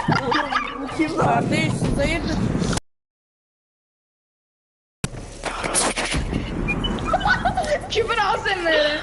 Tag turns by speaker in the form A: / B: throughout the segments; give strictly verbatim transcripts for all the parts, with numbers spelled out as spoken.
A: Bu kim lan?
B: Kardeş siz hayırdır?
C: Küfür al seninle.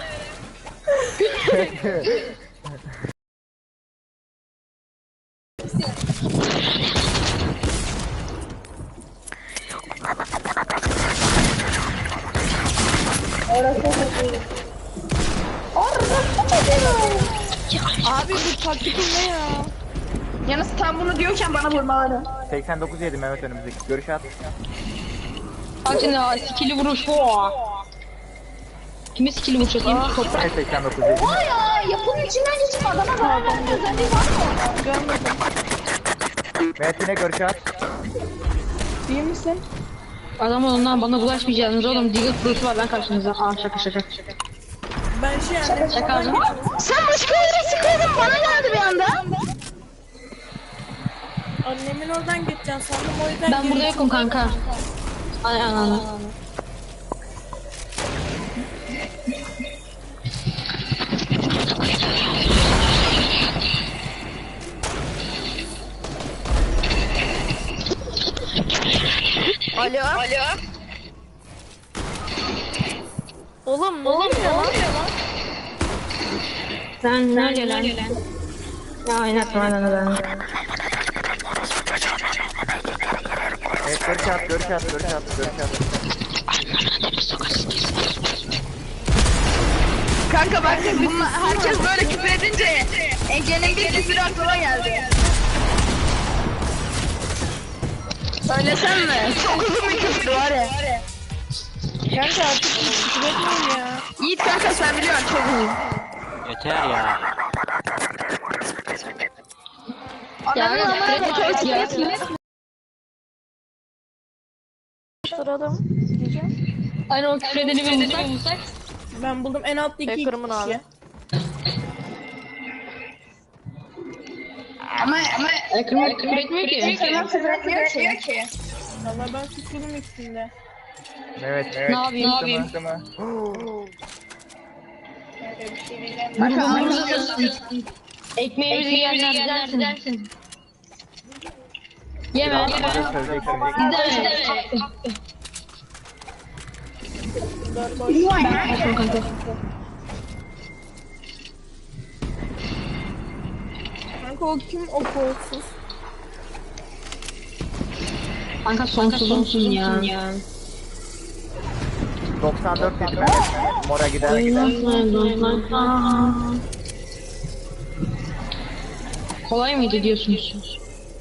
B: Abi bu taktik ne ya?
C: Yalnız tam bunu diyorken bana vurmaları.
A: seksen dokuz yedi Mehmet önümüzdeki. Görüş at.
D: Bak şimdi ha, skill'i vuruş. Oha. Kime skill'i vuracak? Yemin toprak.
A: Ne seksen dokuz yedi?
C: Vay ya yapının içinden geçip adama zarar verme özelliği var mı?
B: Görmedim.
A: Mehmet yine görüş at.
B: İyi misin?
D: Adam ondan bana bulaşmayacaksınız oğlum. Deagle Pro'su var lan karşınızda. Aa şaka şaka.
B: Ben şey annem
D: Şaka
B: falan
D: mı?
C: Sen başka yere sıkıldın bana geldi bir anda.
B: annemin oradan geçeceğim sandım o yüzden.
D: Ben burada
B: geri
D: yokum kanka. Ay ananı.
C: Alo. Alo.
B: Oğlum ne oluyor lan?
D: Sen ne gelen? Ya oynatma lan.
A: Evet görüş at, görüş at, görüş at, görüş at.
C: Kanka bak bunlar, herkes böyle küfür edince Ege'nin bir küfür aklıma geldi. Söylesem mi? Çok uzun bir küfür var ya.
B: Kanka artık küfür etmeyin ya.
C: Yiğit kanka sen biliyorsun çok uzun.
E: Yeter ya.
C: Adamın amına motor
D: ya.
B: Sırada diyeceğim.
D: Aynen o küfür edeni bir bulsak.
B: Ben buldum en altta iki
F: Hacker'ımın
B: kişi.
F: abi.
C: Ama ama
D: Ekran küfür etmiyor ki.
C: Kemal küfür etmiyor ki.
B: Valla ben suçluyum ikisinde.
A: Evet, evet.
D: Ne yapayım? Ne yapayım?
A: Sıkı mı?
B: Öyle bir şey diyeceğim.
D: Vurgumuzu ekmeğimizi yiyenler dersin. Yeme.
A: Biraz da söyleyeceksin.
D: Deme. Ben kanka.
B: Kanka o kim o kolsuz?
D: Kanka sonsuzumsun ya.
A: doksan dört yedi Mehmet. Mora gider gider.
D: Kolay mıydı diyorsunuz?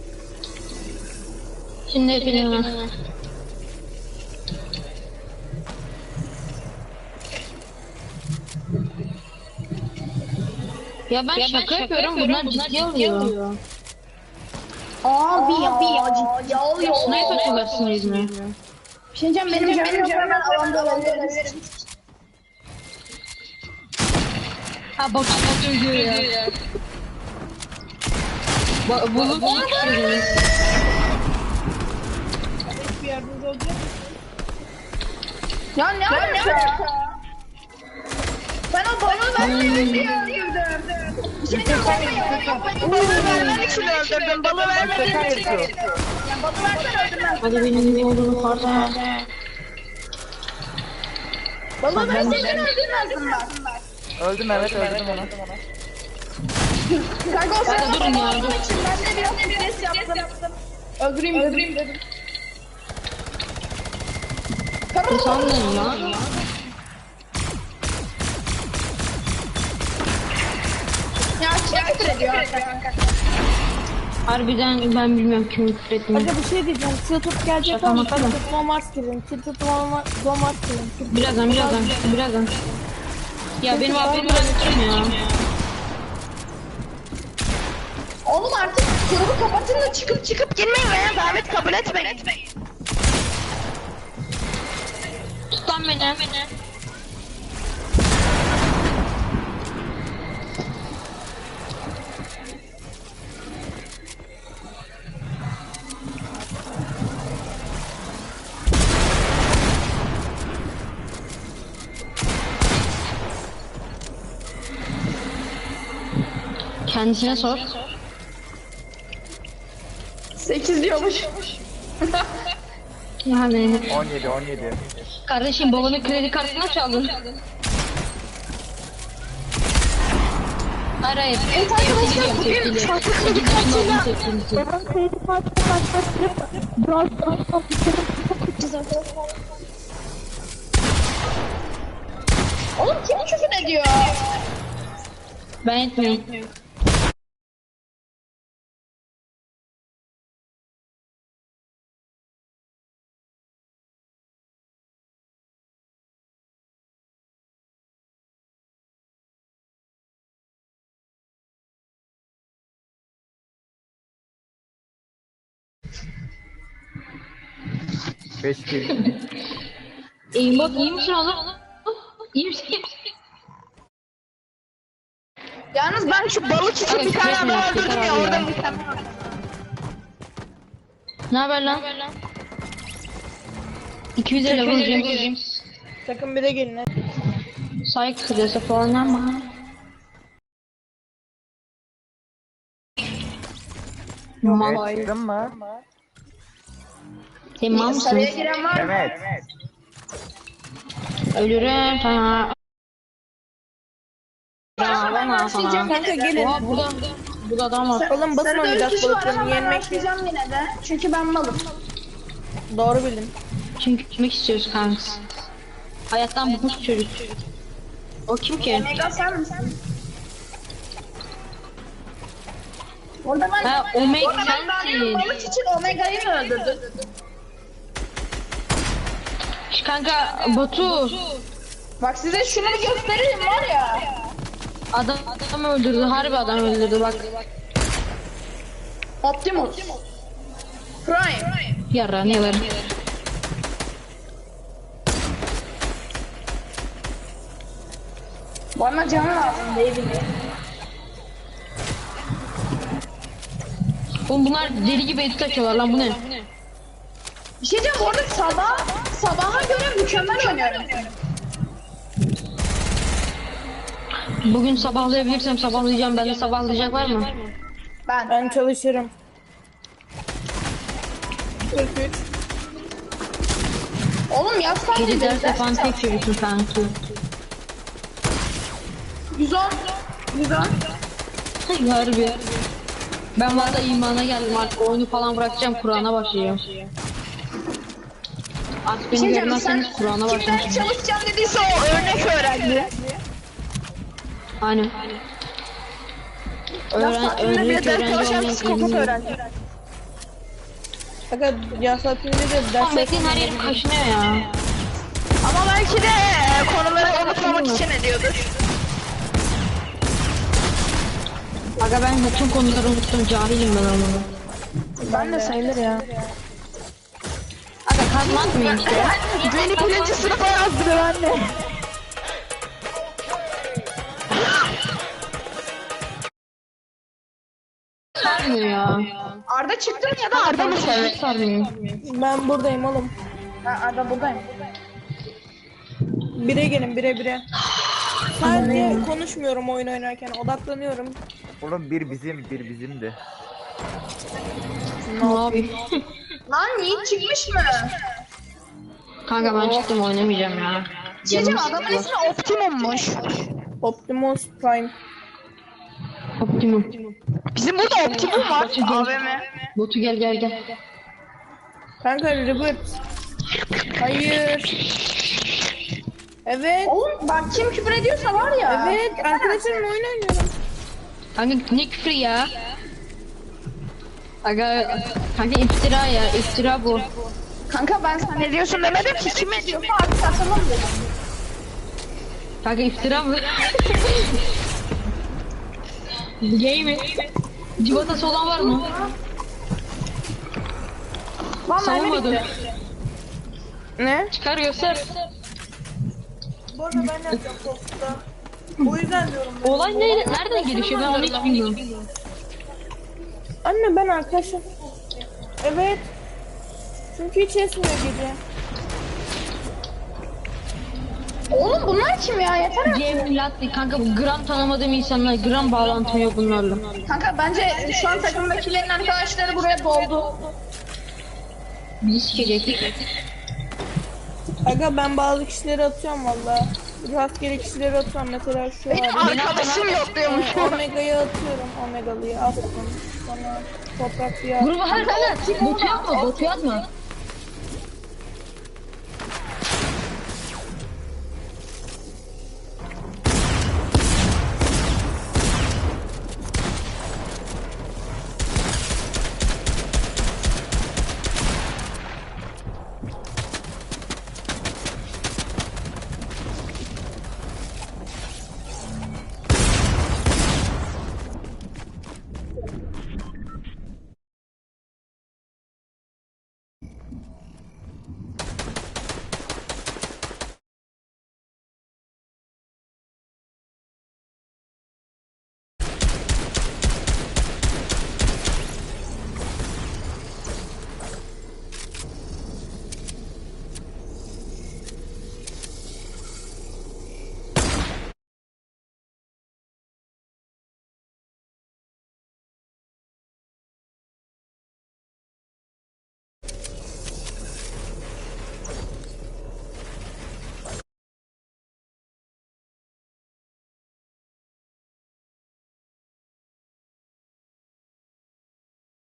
D: Şimdi hepiniz Ya ben ya şaka, şaka yapıyorum, bunlar ciddi alıyor.
C: Abi ya abi ya oluyor.
D: Sniper atıyorlar yüzüne.
C: Bir şey diyeceğim benim canım yok hemen alanda olabilirim.
D: Ha bak bak diyor ya. Ba Bulut çıkıyor.
B: Bir yardımcı olacak mısın?
C: Ya ne alaka? Ben o balığı vermemek diye öldürdüm. Bir şey diyeceğim ben balığı vermemek için öldürdüm. Balığı vermemek için öldürdüm. Ya balığı versen öldürmez.
D: Hadi benim ne olduğunu farkına.
C: Balığı verseydin öldürmezdim ben.
A: Öldüm Mehmet, öldürdüm onu.
C: Kanka o sırada
D: durun ya,
C: balığı
D: dur.
C: için ben de biraz stres yaptım.
B: Öldüreyim öldüreyim dedim.
D: Ne sandın lan?
C: Ya çok küfür ediyor kanka.
D: Harbiden ben bilmiyorum kim küfür ettiğini.
B: Hadi bir şey diyeceğim. Tiltup gelecek
D: Şaka
B: ama
D: maka mı?
B: Tiltup Walmart girin. Tiltup Walmart girin.
D: Birazdan birazdan birazdan. Ya benim abim bırakacağım ya.
C: Oğlum artık grubu kapatın da çıkıp çıkıp girmeyin veya davet kabul etmeyin.
D: Tut lan beni. Kendisine sor.
C: sekiz diyormuş.
D: Yani
A: on yedi on yedi.
D: kardeşim babanın kredi kartına çaldın. Hayır hayır.
C: Evet arkadaşlar bugün
D: Tepkili.
C: farklı kredi
D: sekiz yaşında
C: kartıyla
D: olduğunu tepkilisi.
B: Babam kredi kartını başlattırıp biraz daha
C: Oğlum kim küfür ediyor?
D: Ben etmiyorum.
A: beş kill.
D: Aimbot iyi misin oğlum? İyi misin?
C: Yalnız ben şu balık için bir tane adam öldürdüm ya orada mükemmel.
D: Ne haber lan? iki yüz elli vuracağım.
B: sakın bir de gelin.
D: Saygı kırıyorsa falan ama. Mal.
A: Evet, çıktın mı?
D: Sen mal mısın?
C: Sarıya giren var mı?
A: Evet.
D: Ölürüm sana. Bravo sana.
B: Kanka gelin.
D: Oha burada. Burada adam var.
B: Oğlum basın
C: Sarıda üç
B: oynayacağız
C: kişi var
B: balıklarını
C: ama ben
B: yenmek.
C: başlayacağım yine de. Çünkü ben malım.
B: Doğru bildin.
D: Çünkü gitmek istiyoruz kanka. Hayattan bıkmış çocuk. O kim ki?
C: Omega sen misin? Orada ben,
D: Ha, Omega
C: orada ben daha
D: sensin.
C: demin balık için Omega'yı mı öldürdün?
D: Şş, kanka Batu.
C: Bak size şunu bir göstereyim var ya.
D: Adam adam öldürdü. Harbi adam öldürdü bak.
C: Optimus. Prime.
D: Yarra ne var?
C: Bana can lazım değil mi?
D: Oğlum bunlar deli gibi edit açıyorlar lan, bu ne?
C: Bir şey diyeceğim orada sabah, sabaha göre mükemmel oynuyorum.
D: Bugün sabahlayabilirsem sabahlayacağım. Bende sabahlayacak var mı?
C: Ben.
B: Ben çalışırım. kırk üç.
C: Oğlum yazsam
D: Gece
C: mıydı?
D: ders yapan tek çocuksun sanki.
C: yüz on. yüz on.
D: Harbi. Ben valla imana geldim, artık oyunu falan bırakacağım, Kur'an'a başlayacağım. Artık beni
C: Şey diyeceğim,
D: görmezseniz
C: sen
D: Kur'an'a
C: kimden
D: başlayacağım.
C: çalışacağım dediyse o örnek öğrendi.
D: Aynen.
C: Yaz
D: Öğren,
C: tatilinde
D: öğrenci
C: bir ders
D: öğrenci
C: çalışan
D: olmayan
C: psikopat
D: ilmi.
C: öğrendi.
B: Fakat yaz saatinde de ders
D: Oğlum Metin her yerim kaşınıyor ya.
C: Ama belki de e, konuları unutmamak için ediyordur.
D: Aga ben bütün konuları unuttum, cahilim ben onu.
C: Ben de sayılır ya.
D: Aga kazma atmayın işte.
C: Beni birinci sınıfa yazdırıyor anne.
D: Sarmıyor ya.
C: Arda çıktı mı ya da Arda mı söylüyor?
D: Sarmıyor.
B: Ben buradayım oğlum.
C: Ben Arda buradayım.
B: Bire gelin bire bire. Sadece konuşmuyorum oyun oynarken, odaklanıyorum.
A: Oğlum bir bizim, bir bizimdi.
D: Ne yapayım?
C: Lan Yiğit çıkmış mı?
D: Kanka ben çıktım, oynamayacağım ya.
C: Diyeceğim
D: Canım
C: adamın
D: sıkıldı.
C: ismi Optimum'muş.
B: Optimus Prime.
D: Optimum.
C: Bizim burada Optimum var.
D: Batu gel.
C: A V M.
D: Batu gel gel gel.
B: Kanka reboot. Hayır. Evet.
C: Oğlum bak kim küfür ediyorsa var ya.
B: Evet arkadaşlarımla oyun oynuyorum.
D: Kanka ne küfür ya? Aga kanka iftira ya, iftira bu.
C: Kanka ben sen ne diyorsun demedim ki kim ediyorsa artık atalım dedim.
D: Kanka iftira bu. Gay mi? Civatası olan var mı?
C: Lan mermi
D: Savunmadı.
C: bitti.
B: Ne?
D: Çıkar göster.
B: Bu arada ben yapacağım Tost'ta. O yüzden diyorum. Ben.
D: Olay ne, nereden gelişiyor, ben onu hiç bilmiyorum.
B: Anne ben arkadaşım. Evet. Çünkü hiç esmiyor gece.
C: Oğlum bunlar kim ya? Yeter artık.
D: Cem Latli kanka bu gram tanımadığım insanlar, gram bağlantım yok bunlarla.
C: Kanka bence şu an takımdakilerin arkadaşları buraya doldu.
D: Bizi sikecek.
B: Aga ben bazı kişileri atıyorum valla. Rastgele kişileri atıyorum mesela şu
C: Benim
B: an.
C: arkadaşım yok diyormuş.
B: Omega'yı atıyorum. Omegalıyı attım. Sonra toprak bir
D: Grubu her kadar botu yapma, botu yapma.